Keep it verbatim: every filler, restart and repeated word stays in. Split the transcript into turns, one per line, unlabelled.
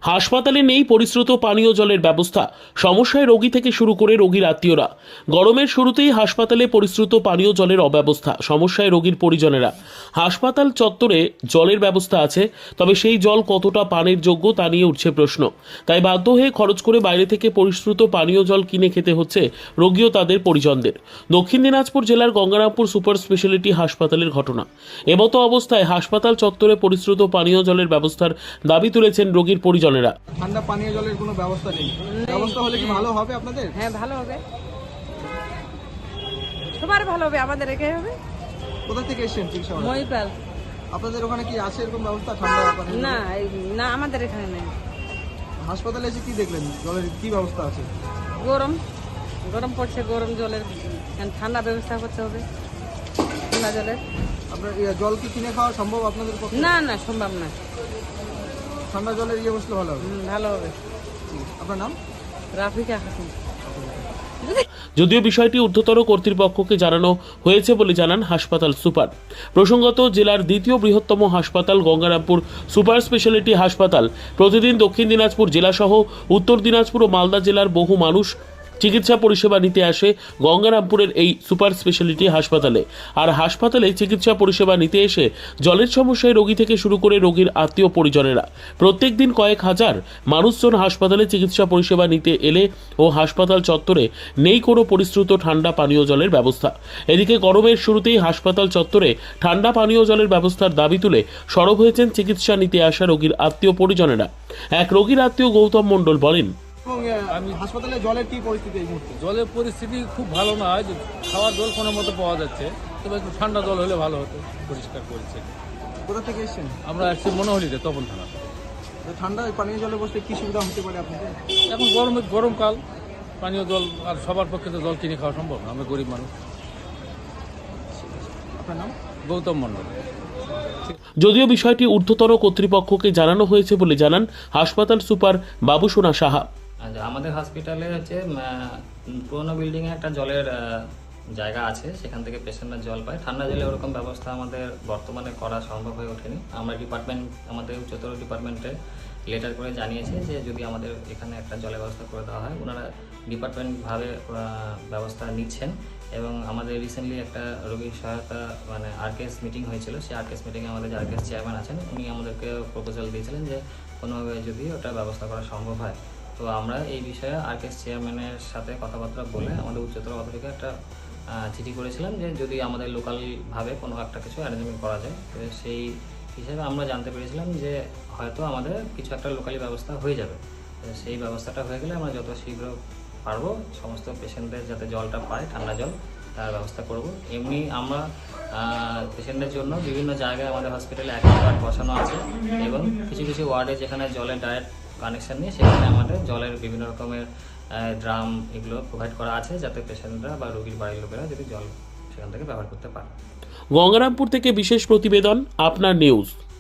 হাসপাতালে নেই পরিশ্রুত পানীয় জলের ব্যবস্থা, সমস্যায় রোগী থেকে শুরু করে রোগীর আত্মীয়রা। গরমের শুরুতেই হাসপাতালে পরিশ্রুত পানীয় জলের অব্যবস্থা, সমস্যায় রোগীর পরিজনেরা। হাসপাতাল চত্বরে জলের ব্যবস্থা আছে, তবে সেই জল কতটা পানের যোগ্য তা নিয়ে উঠছে প্রশ্ন। তাই বাধ্য হয়ে খরচ করে বাইরে থেকে পরিশ্রুত পানীয় জল কিনে খেতে হচ্ছে রোগী ও তাদের পরিজনদের। দক্ষিণ দিনাজপুর জেলার গঙ্গারামপুর সুপার স্পেশালিটি হাসপাতালের ঘটনা। এমতো অবস্থায় হাসপাতাল চত্বরে পরিশ্রুত পানীয় জলের ব্যবস্থার দাবি তুলেছেন রোগীর পরিজন।
ঠান্ডা পানীয় জলের কোনো ব্যবস্থা নেই। ব্যবস্থা হলে কি ভালো হবে আপনাদের?
হ্যাঁ, ভালো হবে, সবার ভালো হবে, আমাদের একাই হবে।
কোথা থেকে এসেছেন চিকিৎসা?
মহিপাল।
আপনাদের ওখানে কি আছে এরকম ব্যবস্থা ঠান্ডা পানীয়?
না না, আমাদের এখানে নেই।
হাসপাতালে এসে কি দেখলেন? জলের কি ব্যবস্থা আছে?
গরম গরম পড়ছে, গরম জলের ঠান্ডা ব্যবস্থা করতে হবে, ঠান্ডা জলের।
আপনার জল কি কিনে খাওয়া সম্ভব আপনাদের পক্ষে?
না না, সম্ভব না।
ঠান্ডা জলের ইয়ে বসলে ভালো হবে।
ভালো হবে।
আপনার নাম?
রাফিকা হাসান।
যদিও বিষয়টি ঊর্ধ্বতর কর্তৃপক্ষকে জানানো হয়েছে বলে জানান হাসপাতাল সুপার। প্রসঙ্গত, জেলার দ্বিতীয় বৃহত্তম হাসপাতাল গঙ্গারামপুর সুপার স্পেশালিটি হাসপাতাল প্রতিদিন দক্ষিণ দিনাজপুর জেলাসহ উত্তর দিনাজপুর ও মালদা জেলার বহু মানুষ চিকিৎসা পরিষেবা নিতে আসে গঙ্গারামপুরের এই সুপার স্পেশালিটি হাসপাতালে। আর হাসপাতালে চিকিৎসা পরিষেবা নিতে এসে জলের সমস্যায় রোগী থেকে শুরু করে রোগীর আত্মীয় পরিজনেরা প্রত্যেক দিন কয়েক হাজার মানুষজন হাসপাতালে চিকিৎসা পরিষেবা নিতে এলে ও হাসপাতাল চত্বরে নেই কোনো পরিশ্রুত ঠান্ডা পানীয় জলের ব্যবস্থা। এদিকে গরমের শুরুতেই হাসপাতাল চত্বরে ঠান্ডা পানীয় জলের ব্যবস্থার দাবি তুলে সরব হয়েছেন চিকিৎসা নিতে আসা রোগীর আত্মীয় পরিজনেরা। এক রোগীর আত্মীয় গৌতম মণ্ডল বলেন,
আমি হাসপাতালে জলের কি পরিস্থিতি এই মুহূর্তে?
জলের পরিস্থিতি খুব ভালো নয়, খাওয়ার জল কোনো মতো পাওয়া যাচ্ছে, তবে একটু ঠান্ডা জল হলে ভালো হতো, পরিষ্কার করেছে।
কোথা থেকে এসেছেন?
আমরা আসছি মনোহলিতে, তপন থানা।
ঠান্ডা পানীয় জলে বসলে কি সুবিধা হতে পারে আপনাদের?
এখন গরমে গরমকাল, পানীয় জল আর সবার পক্ষে তো জল কিনে খাওয়া সম্ভব না, আমরা গরিব মানুষ।
আপনার নাম?
গৌতম মণ্ডল।
যদিও বিষয়টি ঊর্ধ্বতর কর্তৃপক্ষকে জানানো হয়েছে বলে জানান হাসপাতাল সুপার বাবুসোনা সাহা।
আমাদের হসপিটালে হচ্ছে পুরোনো বিল্ডিংয়ে একটা জলের জায়গা আছে, সেখান থেকে পেশেন্টরা জল পায়। ঠান্ডা জলে ওরকম ব্যবস্থা আমাদের বর্তমানে করা সম্ভব হয়ে ওঠেনি। আমরা ডিপার্টমেন্ট, আমাদের উচ্চতর ডিপার্টমেন্টে লেটার করে জানিয়েছে যে যদি আমাদের এখানে একটা জলের ব্যবস্থা করে দেওয়া হয়। ওনারা ডিপার্টমেন্টভাবে ব্যবস্থা নিচ্ছেন এবং আমাদের রিসেন্টলি একটা রোগীর সহায়তা মানে আরকেএস মিটিং হয়েছিল। সেই আরকেএস মিটিংয়ে আমাদের যে আরকেএস চেয়ারম্যান আছেন, উনি আমাদেরকে প্রপোজাল দিয়েছিলেন যে কোনোভাবে যদি ওটা ব্যবস্থা করা সম্ভব হয়। তো আমরা এই বিষয়ে আরকেএস চেয়ারম্যানের সাথে কথাবার্তা বলে আমাদের উচ্চতর অথরিটিকে একটা চিঠি করেছিলাম যে যদি আমাদের লোকালভাবে কোনো একটা কিছু অ্যারেঞ্জমেন্ট করা যায়। তো সেই হিসেবে আমরা জানতে পেরেছিলাম যে হয়তো আমাদের কিছু একটা লোকালি ব্যবস্থা হয়ে যাবে। সেই ব্যবস্থাটা হয়ে গেলে আমরা যত শীঘ্র পারবো সমস্ত পেশেন্টদের যাতে জলটা পায়, ঠান্ডা জল, তার ব্যবস্থা করব। এমনি আমরা পেশেন্টদের জন্য বিভিন্ন জায়গায় আমাদের হসপিটালে অ্যাকোয়াগার্ড বসানো আছে এবং কিছু কিছু ওয়ার্ডে যেখানে জলের ডাইরেক্ট কানেকশন নিয়ে সেখানে আমাদের জলের বিভিন্ন রকমের ড্রাম এগুলো প্রোভাইড করা আছে, যাতে পেশেন্টরা বা রোগীর বাড়ির লোকেরা যদি জল সেখান থেকে ব্যবহার করতে পারে।
গঙ্গারামপুর থেকে বিশেষ প্রতিবেদন, আপনার নিউজ।